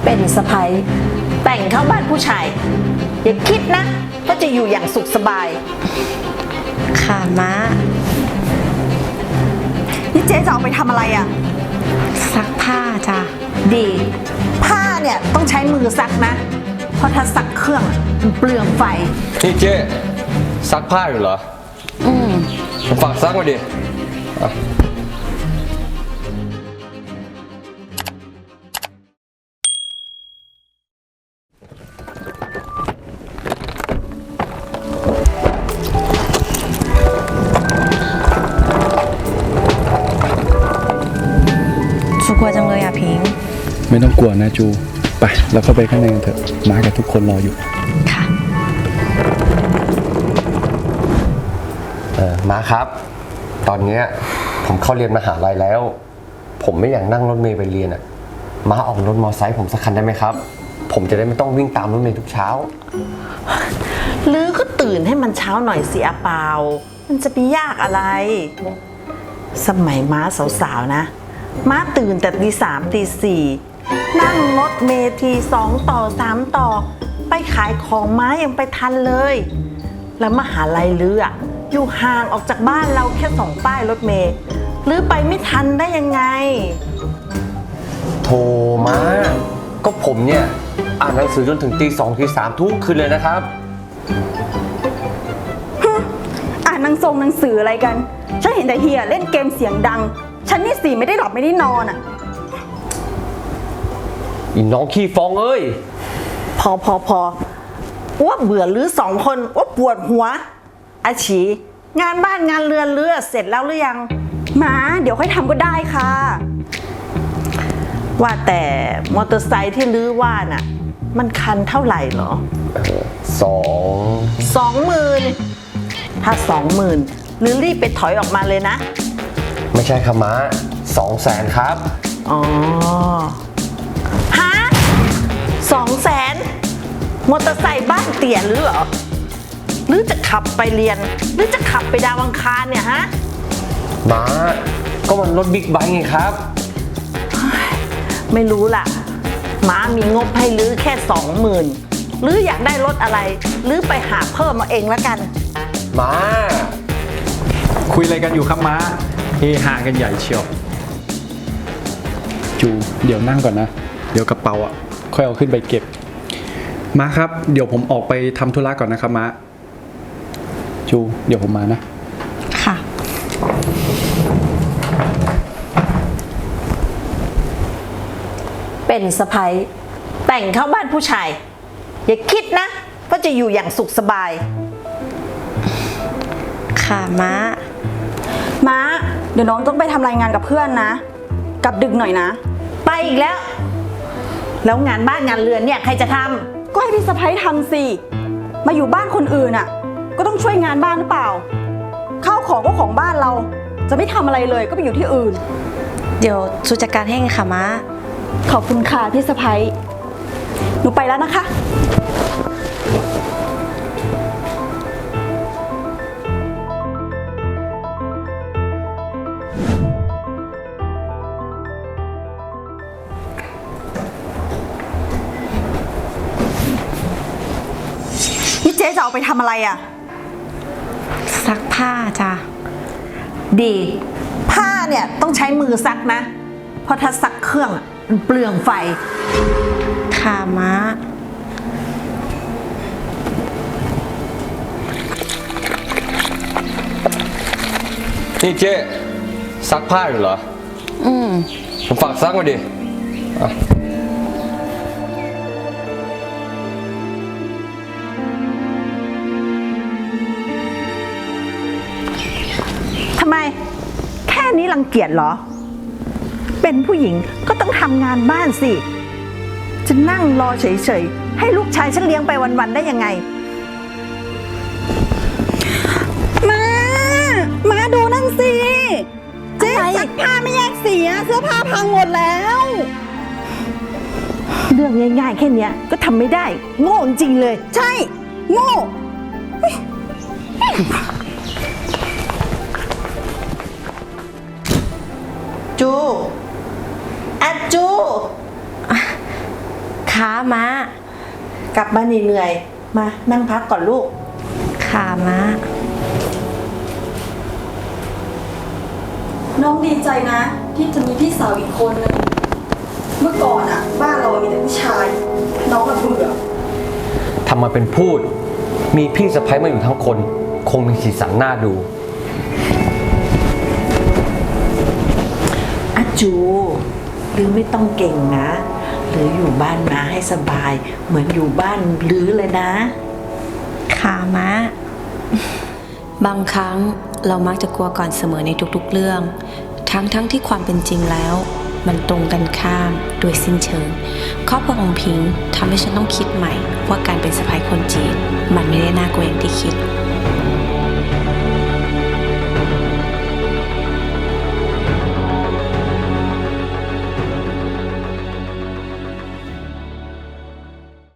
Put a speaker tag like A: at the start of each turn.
A: เป็นสะใภ้แต่งเข้าบ้านผู้ชายอย่าคิดนะว่าจะอยู่อย่างสุขสบาย
B: ค่ะม้า
C: นี่เจ๊จะเอาไปทำอะไรอ่ะ
B: ซักผ้าจ้ะ
A: ดี ผ้าเนี่ยต้องใช้มือซักนะ เพราะถ้าซักเครื่องมันเปลืองไฟ
D: นี่เจ๊ซักผ้าอยู่เหรอ ผมฝากซักมาดิอ่ะ
B: ชูกลัวจังเลยอ่ะพิงค์
E: ไม่ต้องกลัวนะจู ไปเราเข้าไปข้างในกันเถอะมากับทุกคนรออยู่
B: ค่ะ
D: มาครับ ตอนเนี้ยผมเข้าเรียนมหาลัยแล้ว ผมไม่อยากนั่งรถเมล์ไปเรียนอ่ะมาออกรถมอไซค์ผมสักคันได้ไหมครับ ผมจะได้ไม่ต้องวิ่งตามรถเมล์ทุกเช้า
A: หรือก็ตื่นให้มันเช้าหน่อยสิอาเปา มันจะไปยากอะไร สมัยม้าสาวๆนะ ม้าตื่นแต่ตี 3 ตี 4นั่งรถเมล์ที2 ต่อ 3 ต่อ ไปขายของม้ายังไปทันเลย แล้วมหาลัยลืออยู่ห่างออกจากบ้านเราแค่2 ป้ายรถเมล์หรือไปไม่ทันได้ยังไง
D: โทรมาก็ผมเนี่ยอ่านหนังสือจนถึงตี 2 ตี 3ทุกคืนเลยนะครับ
C: อ่านหนังสืออะไรกัน ฉันเห็นแต่เฮียเล่นเกมเสียงดัง ฉันนี่สิไม่ได้หลับไม่ได้นอนอ่ะ
D: อีน้องขี้ฟองเอ้ย
A: พออ้วเบื่อหรือ2 คนอ้วปวดหัวอาชีงานบ้านงานเรือนเรือเสร็จแล้วหรือยัง
C: มาเดี๋ยวค่อยทำก็ได้ค่ะ
A: ว่าแต่มอเตอร์ไซค์ที่ลื้อว่าน่ะ มันคันเท่าไหร่เหรอ 20,000ถ้า20,000หรือรีบไปถอยออกมาเลยนะ
D: ไม่ใช่ครับม้า200,000ครับ
A: อ๋อฮะ200,000มอเตอร์ไซค์บ้านเตี่ยหรือเหรอหรือจะขับไปเรียน หรือจะขับไปดาวอังคารเนี่ยฮะ
D: ม้าก็มันรถบิ๊กไบค์ไงครับ
A: ไม่รู้ล่ะหมามีงบให้ลื้อแค่20,000หรืออยากได้รถอะไรหรือไปหาเพิ่มมาเองแล้วกัน
D: ม้า
E: คุยอะไรกันอยู่ครับม้าเฮฮากันใหญ่เชียวจูเดี๋ยวนั่งก่อนนะ เดี๋ยวกระเป๋าอ่ะค่อยเอาขึ้นไปเก็บม้าครับเดี๋ยวผมออกไปทำธุระก่อนนะครับม้าจูเดี๋ยวผมมานะ
B: ค่ะ
A: เป็นสะใภ้แต่งเข้าบ้านผู้ชายอย่าคิดนะว่าจะอยู่อย่างสุขสบาย
B: ค่ะม้า
C: ม้า เดี๋ยวน้องต้องไปทำรายงานกับเพื่อนนะ กลับดึกหน่อยนะ
A: ไปอีกแล้ว แล้วงานบ้านงานเรือนเนี่ยใครจะทำ
C: ก็ให้พี่สะพ้ยทำสิ มาอยู่บ้านคนอื่นอ่ะ ก็ต้องช่วยงานบ้านหรือเปล่า ข้าวของก็ของบ้านเรา จะไม่ทำอะไรเลยก็ไปอยู่ที่อื่น
B: เดี๋ยวชูจัดการให้ค่ะม้า
C: ขอบคุณค่ะพี่สะพ้ยหนูไปแล้วนะคะ นี่เจ๊จะเอาไปทำอะไรอ่ะ
B: ซักผ้าจ้ะ
A: ดี ผ้าเนี่ยต้องใช้มือซักนะ เพราะถ้าซักเครื่องมันเปลืองไฟ
B: ค่ะม้า
D: นี่เจ๊ซักผ้าอยู่เหรอ ผมฝากซักมาดิอ่ะ
A: ทำไม แค่นี้รังเกียจเหรอ เป็นผู้หญิงก็ต้องทำงานบ้านสิ จะนั่งรอเฉยๆ ให้ลูกชายฉันเลี้ยงไปวันๆได้ยังไง
C: มาดูนั่นสิ เจ๊ซักผ้าไม่แยกสีอะเสื้อผ้าพังหมดแล้ว
A: เรื่องง่ายๆแค่เนี้ยก็ทำไม่ได้ โง่จริงๆเลย
C: ใช่ โง่
A: จูอะจู
B: ค่ะม้าก
A: ลับมาเหนื่อยๆมานั่งพักก่อนลูก
B: ค่ะม้า
C: น้องดีใจนะ ที่จะมีพี่สาวอีกคนนึงเมื่อก่อนอะบ้านเรามีแต่ผู้ชาย น้องอะเบื่อ
D: ทำมาเป็นพูด มีพี่สะใภ้มาอยู่ทั้งคน คงมีสีสันน่าดู
A: อาจูหรือไม่ต้องเก่งนะ หรืออยู่บ้านม้าให้สบาย เหมือนอยู่บ้านหรือเลยนะ
B: ค่ะม้า บางครั้งเรามักจะกลัวก่อนเสมอในทุกๆเรื่อง ทั้งที่ความเป็นจริงแล้ว มันตรงกันข้ามโดยสิ้นเชิงครอบครัวของพิงค์ทำให้ฉันต้องคิดใหม่ว่าการเป็นสะใภ้คนจีนมันไม่ได้น่ากลัวอย่างที่คิด